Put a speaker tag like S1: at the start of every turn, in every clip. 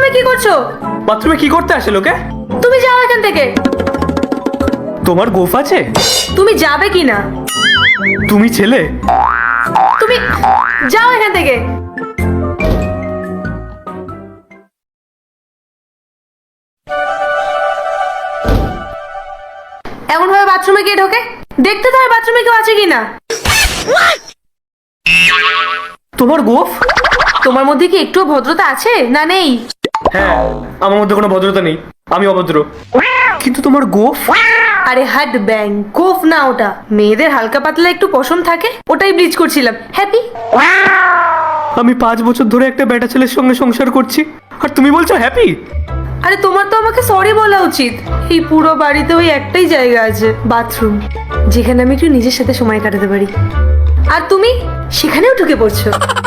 S1: বাথরুমে কি করছো?
S2: বাথরুমে কি করতে আসে লোকে?
S1: তুমি যাও এখান থেকে।
S2: তোমার গোফ আছে?
S1: তুমি যাবে কি না?
S2: তুমি ছেলে?
S1: তুমি যাও এখান থেকে। এমন ভাবে বাথরুমে কে ঢোকে? দেখতে তো হয় বাথরুমে কেউ আছে কিনা।
S2: তোমার গোফ?
S1: তোমার মধ্যে কি একটু ভদ্রতা আছে না নেই?
S2: হ্যাঁ, আমার মধ্যে কোনো ভদ্রতা নেই, আমি অভদ্র। কিন্তু তোমার গোফ?
S1: আরে হাট ব্যাং, গোফ না ওটা। মেয়েদের হালকা পাতলা একটু পশম থাকে, ওটাই ব্লিচ করছিলাম। হ্যাপি?
S2: আমি 5 বছর ধরে একটা বেটা ছেলের সঙ্গে সংসার করছি, আর তুমি বলছো হ্যাপি?
S1: আরে তোমার তো আমাকে সরি বলা উচিত। এই পুরো বাড়িতে ওই একটাই জায়গা আছে, বাথরুম, যেখানে আমি একটু নিজের সাথে সময় কাটাতে পারি। আর তুমি সেখানেও ঢুকে পড়ছো।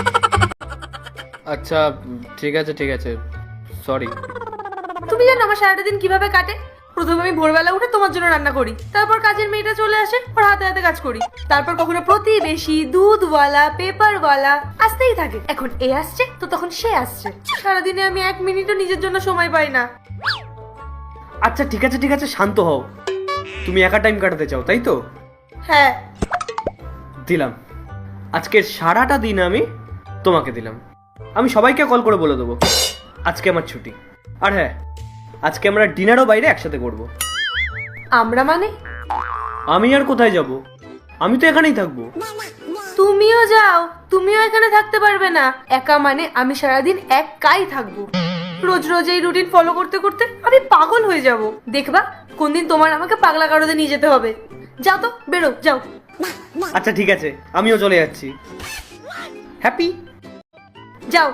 S2: আচ্ছা ঠিক আছে ঠিক আছে, সরি।
S1: তুমি জানো আমার সারাটা দিন কিভাবে কাটে? প্রথমে আমি ভোরবেলা উঠে তোমার জন্য রান্না করি, তারপর কাজের মেয়েটা চলে আসে, ওর হাতে হাতে কাজ করি, তারপর কখনো প্রতিবেশী, দুধওয়ালা, পেপারওয়ালা আসতেই থাকে। এখন এ আসছে তো তখন সে আসছে। সারাদিনে আমি 1 মিনিটও নিজের জন্য সময় পাই না।
S2: আচ্ছা ঠিক আছে ঠিক আছে, শান্ত হও। তুমি একা টাইম কাটাতে চাও, তাই তো?
S1: হ্যাঁ।
S2: দিলাম। আজকের সারাটা দিন আমি তোমাকে দিলাম। আমি সবাইকে কল করে বলে দেবো আজকে আমার ছুটি। আর হ্যাঁ, আজকে আমরা ডিনারও বাইরে একসাথে করব।
S1: আমরা মানে?
S2: আমি আর কোথায় যাব? আমি তো এখানেই থাকবো।
S1: তুমিও যাও, তুমিও এখানে থাকতে পারবে না। একা মানে আমি সারাদিন একাই থাকবো। রোজ রোজ এই রুটিন ফলো করতে করতে আমি পাগল হয়ে যাব। দেখবা কোন দিন তোমার আমাকে পাগলা গারদে নিয়ে যেতে হবে। যাও তো, বেরো, যাও।
S2: আচ্ছা ঠিক আছে, আমিও চলে যাচ্ছি। হ্যাপি?
S1: যাও।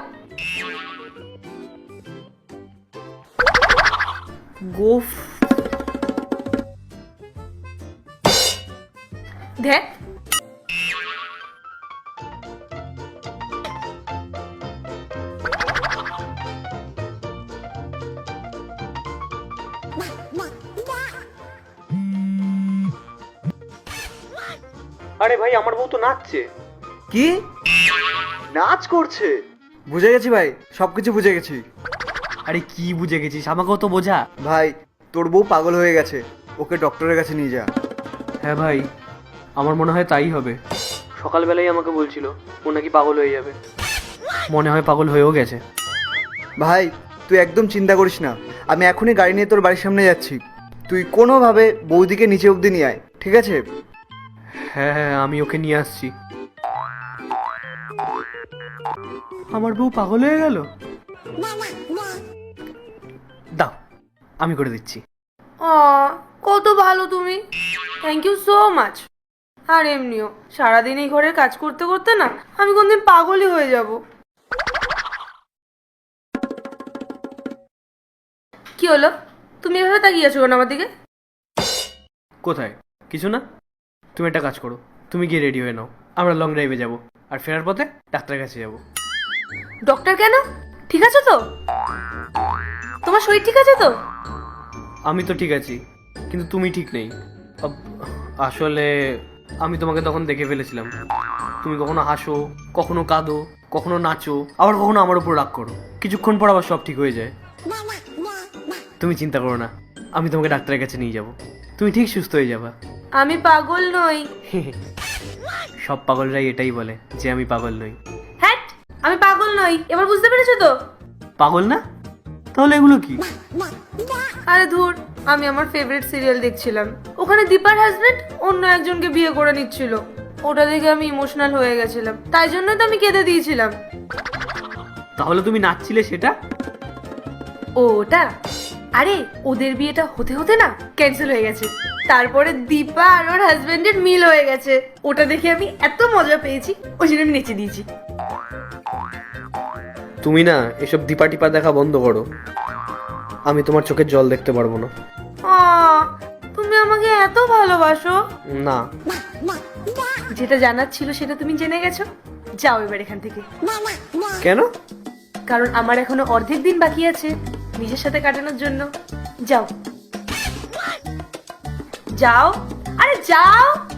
S2: গোফ।
S1: দেখ,
S2: আরে ভাই, আমার বউ তো নাচছে।
S3: কি নাচ করছে? বুঝে গেছি ভাই, সবকিছু বুঝে গেছি।
S2: আরে কি বুঝে গেছিস, আমাকেও তো বোঝা।
S3: ভাই তোর বউ পাগল হয়ে গেছে, ওকে ডক্টরের কাছে নিয়ে যা।
S2: হ্যাঁ ভাই, আমার মনে হয় তাই হবে। সকালবেলাই আমাকে বলছিল ও নাকি পাগল হয়ে যাবে। মনে হয় পাগল হয়েও গেছে।
S3: ভাই তুই একদম চিন্তা করিস না, আমি এখনই গাড়ি নিয়ে তোর বাড়ির সামনে যাচ্ছি। তুই কোনোভাবে বৌদিকে নিচে অবধি নিয়ে আয়, ঠিক আছে?
S2: হ্যাঁ হ্যাঁ, আমি ওকে নিয়ে আসছি। আমার বউ পাগল হয়ে গেল। দাও, আমি করে দিচ্ছি।
S1: কত ভালো তুমি। Thank you so much. আর এমনিও সারাদিন এই ঘরের কাজ করতে করতে না আমি কোনদিন পাগলই হয়ে যাব। কি হলো? তুমি এভাবে তাকিয়ে আছো কেন আমার দিকে?
S2: কোথায়? কিছু না। তুমি একটা কাজ করো, তুমি গিয়ে রেডি হয়ে নাও, আমরা লং ড্রাইভে যাব, আর ফেরার পথে ডাক্তারের কাছে যাব।
S1: ডক্টর কেন? ঠিক আছে তো? তোমার শরীর ঠিক আছে তো?
S2: আমি তো ঠিক আছি, কিন্তু তুমি ঠিক নেই। আসলে আমি তোমাকে তখন দেখে ফেলেছিলাম। তুমি কখনো হাসো, কখনো কাঁদো, কখনো নাচো, আবার কখনো আমার উপর রাগ করো। কিছুক্ষণ পর আবার সব ঠিক হয়ে যায়। তুমি চিন্তা করো না, আমি তোমাকে ডাক্তারের কাছে নিয়ে যাব, তুমি ঠিক সুস্থ হয়ে যাবা।
S1: আমি পাগল নই।
S2: সব পাগলরাই এটাই বলে যে আমি পাগল নই।
S1: হ্যাঁ, আমি পাগল নই, এবার বুঝতে পেরেছো তো?
S2: পাগল না? তাহলে এগুলো কি?
S1: আরে ধুর, আমি আমার ফেভারিট সিরিয়াল দেখছিলাম, ওখানে দীপার হাজবেন্ড অন্য একজনকে বিয়ে করে নিচ্ছিল। ওটা দেখে আমি ইমোশনাল হয়ে গেছিলাম, তাই জন্য তো আমি কেঁদে দিয়েছিলাম।
S2: তাহলে তুমি নাচছিলে সেটা?
S1: ওটা? আরে ওদের বিয়েটা হতে হতে না ক্যান্সেল হয়ে গেছে, তারপরে দীপা আর ওর হাজবেন্ডের মিল হয়ে গেছে। ওটা দেখে আমি এত মজা পেয়েছি, ওই জন্য আমি নেচে দিয়েছি।
S2: তুমি না এসব দীপা টিপা দেখা বন্ধ করো, আমি তোমার চোখের জল দেখতে পারবো না।
S1: তুমি আমাকে এত ভালোবাসো?
S2: না।
S1: যেটা জানার ছিল সেটা তুমি জেনে গেছো, যাও এবার এখান থেকে।
S2: কেন?
S1: কারণ আমার এখনো অর্ধেক দিন বাকি আছে নিজের সাথে কাটানোর জন্য। যাও যাও, আরে যাও।